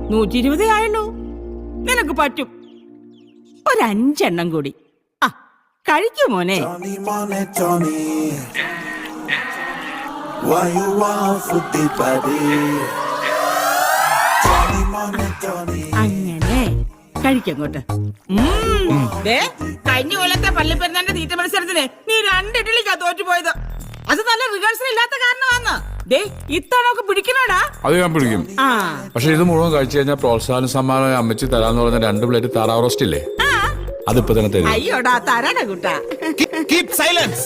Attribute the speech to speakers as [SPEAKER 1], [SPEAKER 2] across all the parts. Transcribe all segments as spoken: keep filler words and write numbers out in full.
[SPEAKER 1] നൂറ്റി ഇരുപതേ ആയുള്ളൂ. നിനക്ക് പറ്റും. ഒരഞ്ചെണ്ണം കൂടി. ആ കഴിക്കൂ മോനെ. അങ്ങനെ കഴിക്കങ്ങോട്ട്. കഴിഞ്ഞ കൊല്ലത്തെ പള്ളിപ്പെരുന്നാന്റെ തീറ്റ മത്സരത്തിന് നീ രണ്ട് ഇഡ്ഡലിക്കാ തോറ്റുപോയത്. അത് നല്ല റിഹേഴ്സൽ ഇല്ലാത്ത കാരണമാണ്. ദേ ഇത്തവണ പിടിക്കണോടാ.
[SPEAKER 2] അത് ഞാൻ പിടിക്കും. പക്ഷെ ഇത് മുഴുവൻ കഴിച്ചു കഴിഞ്ഞാൽ പ്രോത്സാഹന സമ്മാനം അമ്മച്ചി തരാന്ന് പറഞ്ഞ രണ്ട് പ്ലേറ്റ് താറാവ് റോസ്റ്റ് ഇല്ലേ, അതിപ്പോ തന്നെ തരും.
[SPEAKER 1] അയ്യോടാ തരാടാ കുട്ടാ.
[SPEAKER 3] Keep silence.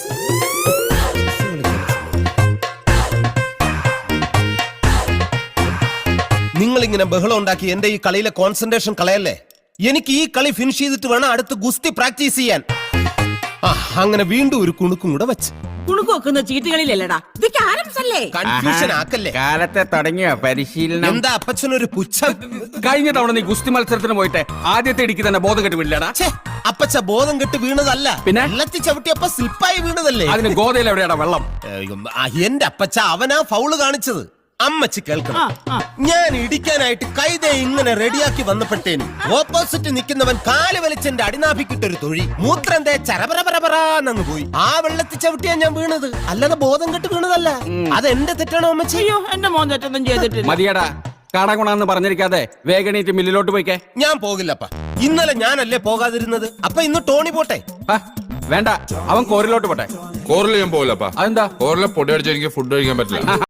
[SPEAKER 3] നിങ്ങൾ ഇങ്ങനെ ബഹളം ഉണ്ടാക്കി എന്റെ ഈ കളിയിലെ കോൺസെൻട്രേഷൻ കളയല്ലേ. എനിക്ക് ഈ കളി ഫിനിഷ് ചെയ്തിട്ട് വേണം അടുത്ത് ഗുസ്തി പ്രാക്ടീസ് ചെയ്യാൻ. അങ്ങനെ വീണ്ടും ഒരു കുണുക്കും കൂടെ വെച്ച്
[SPEAKER 1] കുണുക്ക് വെക്കുന്ന ചീട്ടുകളിലല്ലടാ, ഇത് ക്യാരംസ് അല്ലേ.
[SPEAKER 3] കൺഫ്യൂഷൻ ആക്കല്ലേ.
[SPEAKER 4] കാലത്തെ തുടങ്ങിയ പരിശീലനം.
[SPEAKER 3] എന്താ അപ്പച്ചനൊരു പുച്ഛം?
[SPEAKER 4] കഴിഞ്ഞ തവണ നീ ഗുസ്തി മത്സരത്തിന് പോയിട്ട് ആദ്യത്തെ ഇടിക്ക് തന്നെ ബോധം കെട്ട് വീഴലടാ.
[SPEAKER 3] അപ്പച്ച ബോധം കെട്ട് വീണതല്ല,
[SPEAKER 4] പിന്നെ
[SPEAKER 3] വെള്ളത്തി ചവിട്ടിയപ്പോ സ്ലിപ്പായി വീണതല്ലേ.
[SPEAKER 4] അതിന് ഗോതയിൽ എവിടെയാടാ വെള്ളം?
[SPEAKER 3] എന്റെ അപ്പച്ച അവനാ ഫൗള് കാണിച്ചത്. അമ്മച്ചി കേൾക്കണം, ഞാൻ ഇടിക്കാനായിട്ട് കൈതേ ഇങ്ങനെ റെഡിയാക്കി വന്നപ്പെട്ടേന് ഓപ്പോസിറ്റ് നിൽക്കുന്നവൻ കാല് വലിച്ചെന്റെ അടിനാഭിക്കിട്ടൊരു തൊഴി മൂത്രം തേ ചരപരപരപരാന്നങ്ങ് പോയി. ആ വെള്ളത്തിൽ ചവിട്ടിയാ ഞാൻ വീണത്, അല്ലാതെ ബോധം കെട്ട് വീണതല്ല. അത് എന്റെ തെറ്റാണോ അമ്മച്ചി?
[SPEAKER 1] അയ്യോ എന്റെ മോൻ തെറ്റൊന്നും ചെയ്തിട്ടില്ല.
[SPEAKER 4] മതിയടാ, കടകുണാന്ന് പറഞ്ഞിരിക്കാതെ വേഗണീറ്റ് മില്ലിലോട്ട് പോയിക്കേ.
[SPEAKER 3] ഞാൻ പോകില്ലപ്പ. ഇന്നലെ ഞാനല്ലേ പോകാതിരുന്നത്, അപ്പൊ ഇന്ന് ടോണി പോട്ടെ.
[SPEAKER 4] വേണ്ട, അവൻ കോറിലോട്ട് പോട്ടെ.
[SPEAKER 2] കോറിൽ ഞാൻ പോകില്ലപ്പാ.
[SPEAKER 4] അതെന്താ?
[SPEAKER 2] കോറിലെ പൊടി അടിച്ച് എനിക്ക് ഫുഡ് കഴിക്കാൻ പറ്റില്ല.